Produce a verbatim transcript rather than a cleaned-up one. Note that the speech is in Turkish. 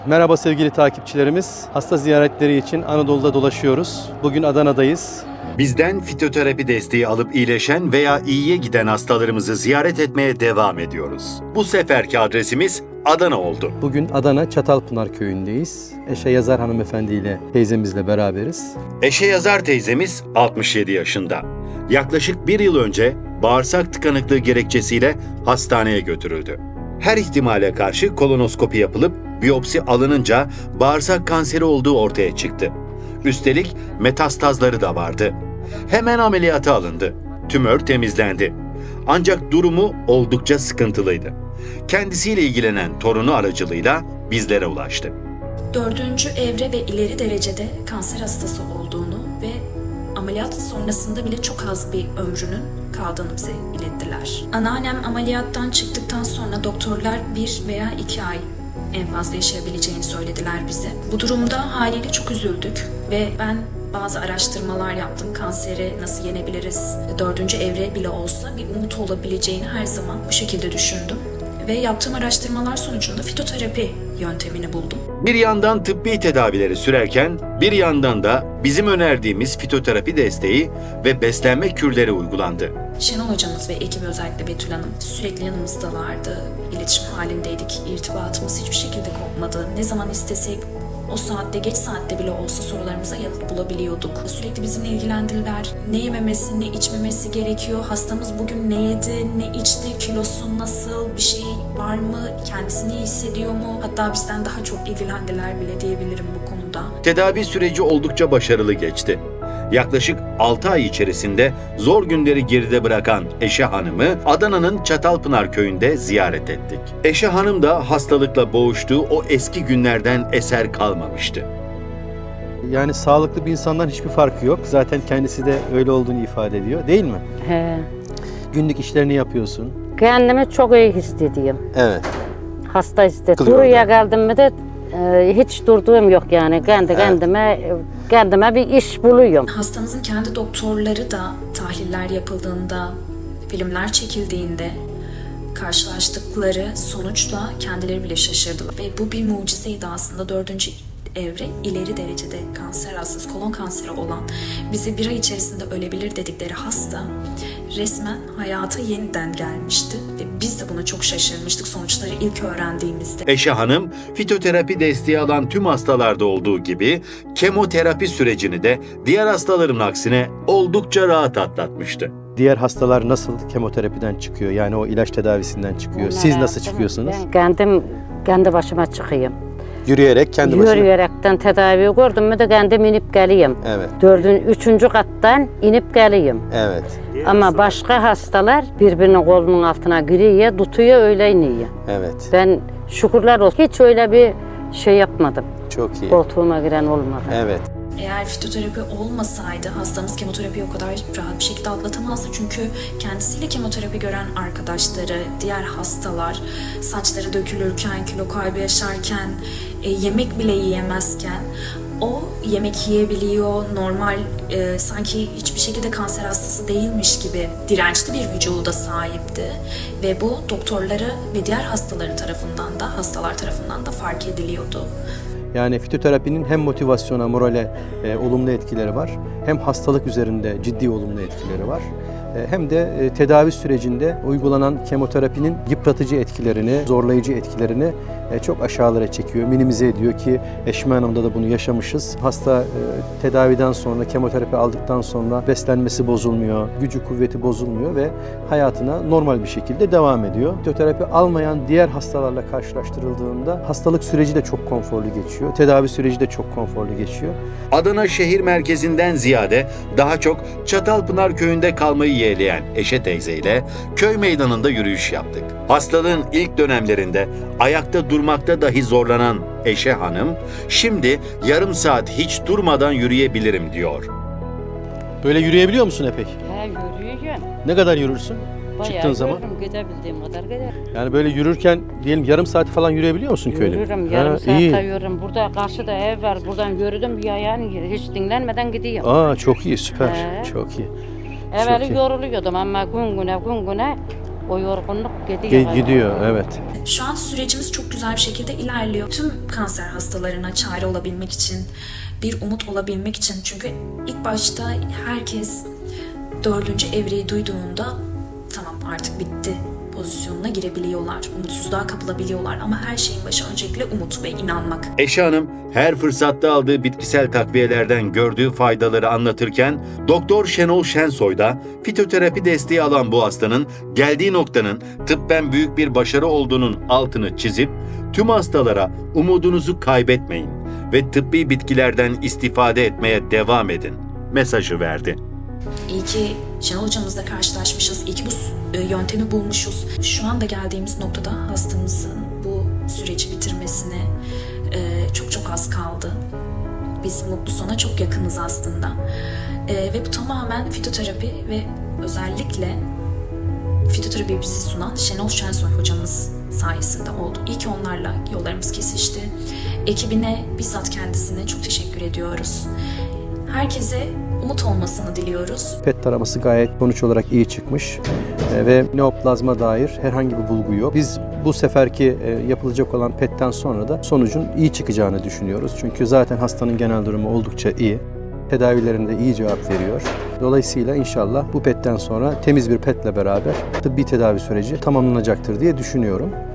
Merhaba sevgili takipçilerimiz. Hasta ziyaretleri için Anadolu'da dolaşıyoruz. Bugün Adana'dayız. Bizden fitoterapi desteği alıp iyileşen veya iyiye giden hastalarımızı ziyaret etmeye devam ediyoruz. Bu seferki adresimiz Adana oldu. Bugün Adana Çatalpınar köyündeyiz. Eşe Yazar hanımefendiyle teyzemizle beraberiz. Eşe Yazar teyzemiz altmış yedi yaşında. Yaklaşık bir yıl önce bağırsak tıkanıklığı gerekçesiyle hastaneye götürüldü. Her ihtimale karşı kolonoskopi yapılıp biyopsi alınınca bağırsak kanseri olduğu ortaya çıktı. Üstelik metastazları da vardı. Hemen ameliyata alındı. Tümör temizlendi. Ancak durumu oldukça sıkıntılıydı. Kendisiyle ilgilenen torunu aracılığıyla bizlere ulaştı. Dördüncü evre ve ileri derecede kanser hastası olduğunu ve ameliyat sonrasında bile çok az bir ömrünün kaldığını bize ilettiler. Anneannem ameliyattan çıktıktan sonra doktorlar bir veya iki ay en fazla yaşayabileceğini söylediler bize. Bu durumda haliyle çok üzüldük ve ben bazı araştırmalar yaptım. Kanseri nasıl yenebiliriz? Dördüncü evre bile olsa bir umut olabileceğini her zaman bu şekilde düşündüm. Ve yaptığım araştırmalar sonucunda fitoterapi yöntemini buldum. Bir yandan tıbbi tedavileri sürerken bir yandan da bizim önerdiğimiz fitoterapi desteği ve beslenme kürleri uygulandı. Şenol hocamız ve ekibi, özellikle Betül Hanım, sürekli yanımızdalardı. İletişim halindeydik. İrtibatımız hiçbir şekilde kopmadı. Ne zaman istesek o saatte, geç saatte bile olsa sorularımıza yanıt bulabiliyorduk. Sürekli bizimle ilgilendiler. Ne yememesi, ne içmemesi gerekiyor? Hastamız bugün ne yedi, ne içti, kilosu nasıl, bir şey var mı, kendisini iyi hissediyor mu? Hatta bizden daha çok ilgilendiler bile diyebilirim bu konuda. Tedavi süreci oldukça başarılı geçti. Yaklaşık altı ay içerisinde zor günleri geride bırakan Eşe Hanım'ı Adana'nın Çatalpınar köyünde ziyaret ettik. Eşe Hanım da hastalıkla boğuştuğu o eski günlerden eser kalmamıştı. Yani sağlıklı bir insandan hiçbir farkı yok. Zaten kendisi de öyle olduğunu ifade ediyor, değil mi? He. Günlük işlerini yapıyorsun. Kendimi çok iyi hissediyorum. Evet. Hasta hissediyorum. Kılıyor Buraya da. geldim mi de e, hiç durduğum yok yani. Kendi Evet. kendime kendime bir iş buluyorum. Hastamızın kendi doktorları da tahliller yapıldığında, filmler çekildiğinde karşılaştıkları sonuçla kendileri bile şaşırdılar. Ve bu bir mucizeydi aslında. Dördüncü evre ileri derecede kanser hastası, kolon kanseri olan, bize bir ay içerisinde ölebilir dedikleri hasta resmen hayata yeniden gelmişti. Ve biz de buna çok şaşırmıştık sonuçları ilk öğrendiğimizde. Eşe Hanım, fitoterapi desteği alan tüm hastalarda olduğu gibi kemoterapi sürecini de diğer hastaların aksine oldukça rahat atlatmıştı. Diğer hastalar nasıl kemoterapiden çıkıyor? Yani o ilaç tedavisinden çıkıyor. Siz nasıl çıkıyorsunuz? Ben kendim kendi başıma çıkayım. Yürüyerek kendi başına. Yürüyerekten tedavi gördüm mü de kendim inip geleyim. Evet. Dördün, üçüncü kattan inip geleyim. Evet. Ama başka hastalar birbirinin kolunun altına giriyor, tutuyor, öyle iniyor. Evet. Ben şükürler olsun hiç öyle bir şey yapmadım. Çok iyi. Koltuğuma giren olmadı. Evet. Eğer fitoterapi olmasaydı hastamız kemoterapiyi o kadar rahat bir şekilde atlatamazdı. Çünkü kendisiyle kemoterapi gören arkadaşları, diğer hastalar saçları dökülürken, kilo kaybı yaşarken, e, yemek bile yiyemezken o yemek yiyebiliyor, normal e, sanki hiçbir şekilde kanser hastası değilmiş gibi dirençli bir vücuda sahipti. Ve bu doktorları ve diğer hastaların tarafından da, hastalar tarafından da fark ediliyordu. Yani fitoterapinin hem motivasyona, morale e, olumlu etkileri var, hem hastalık üzerinde ciddi olumlu etkileri var. E, hem de e, tedavi sürecinde uygulanan kemoterapinin yıpratıcı etkilerini, zorlayıcı etkilerini e, çok aşağılara çekiyor, minimize ediyor ki Eşme Hanım'da da bunu yaşamışız. Hasta e, tedaviden sonra, kemoterapi aldıktan sonra beslenmesi bozulmuyor, gücü kuvveti bozulmuyor ve hayatına normal bir şekilde devam ediyor. Fitoterapi almayan diğer hastalarla karşılaştırıldığında hastalık süreci de çok konforlu geçiyor, tedavi süreci de çok konforlu geçiyor. Adana şehir merkezinden ziyade daha çok Çatalpınar köyünde kalmayı yeğleyen Eşe teyze ile köy meydanında yürüyüş yaptık. Hastalığın ilk dönemlerinde ayakta durmakta dahi zorlanan Eşe Hanım, şimdi yarım saat hiç durmadan yürüyebilirim diyor. Böyle yürüyebiliyor musun epey? He, yürüyeceğim. Ne kadar yürürsün çıktığın Bayağı zaman? yürürüm, gidebildiğim kadar giderim. Yani böyle yürürken diyelim yarım saati falan yürüyebiliyor musun köyde? Yürürüm, yarım Ha, saate iyi. yürürüm. Burada karşıda ev var, buradan yürüdüm bir ayağını yürü. Hiç dinlenmeden gidiyorum. Aa çok iyi, süper. He. Çok iyi. Evveli çok iyi. yoruluyordum ama gün güne gün güne o yorgunluk gidiyor. Ge- Gidiyor, evet. Şu an sürecimiz çok güzel bir şekilde ilerliyor. Tüm kanser hastalarına çare olabilmek için, bir umut olabilmek için. Çünkü ilk başta herkes dördüncü evreyi duyduğunda tamam artık bitti pozisyonuna girebiliyorlar. Umutsuzluğa kapılabiliyorlar ama her şeyin başı öncelikle umut ve inanmak. Eşe Hanım her fırsatta aldığı bitkisel takviyelerden gördüğü faydaları anlatırken Doktor Şenol Şensoy da fitoterapi desteği alan bu hastanın geldiği noktanın tıbben büyük bir başarı olduğunun altını çizip tüm hastalara umudunuzu kaybetmeyin ve tıbbi bitkilerden istifade etmeye devam edin mesajı verdi. İyi ki Şenol hocamızla karşılaşmışız. İyi ki bu e, yöntemi bulmuşuz. Şu anda geldiğimiz noktada hastamızın bu süreci bitirmesine e, çok çok az kaldı. Biz mutlu sona çok yakınız aslında. E, ve bu tamamen fitoterapi ve özellikle fitoterapi bizi sunan Şenol Şensoy hocamız sayesinde oldu. İyi ki onlarla yollarımız kesişti. Ekibine, bizzat kendisine çok teşekkür ediyoruz. Herkese umut olmasını diliyoruz. P E T taraması gayet sonuç olarak iyi çıkmış e, ve neoplazma dair herhangi bir bulgu yok. Biz bu seferki e, yapılacak olan P E T'ten sonra da sonucun iyi çıkacağını düşünüyoruz. Çünkü zaten hastanın genel durumu oldukça iyi. Tedavilerinde iyi cevap veriyor. Dolayısıyla inşallah bu P E T'ten sonra temiz bir P E T'le beraber tıbbi tedavi süreci tamamlanacaktır diye düşünüyorum.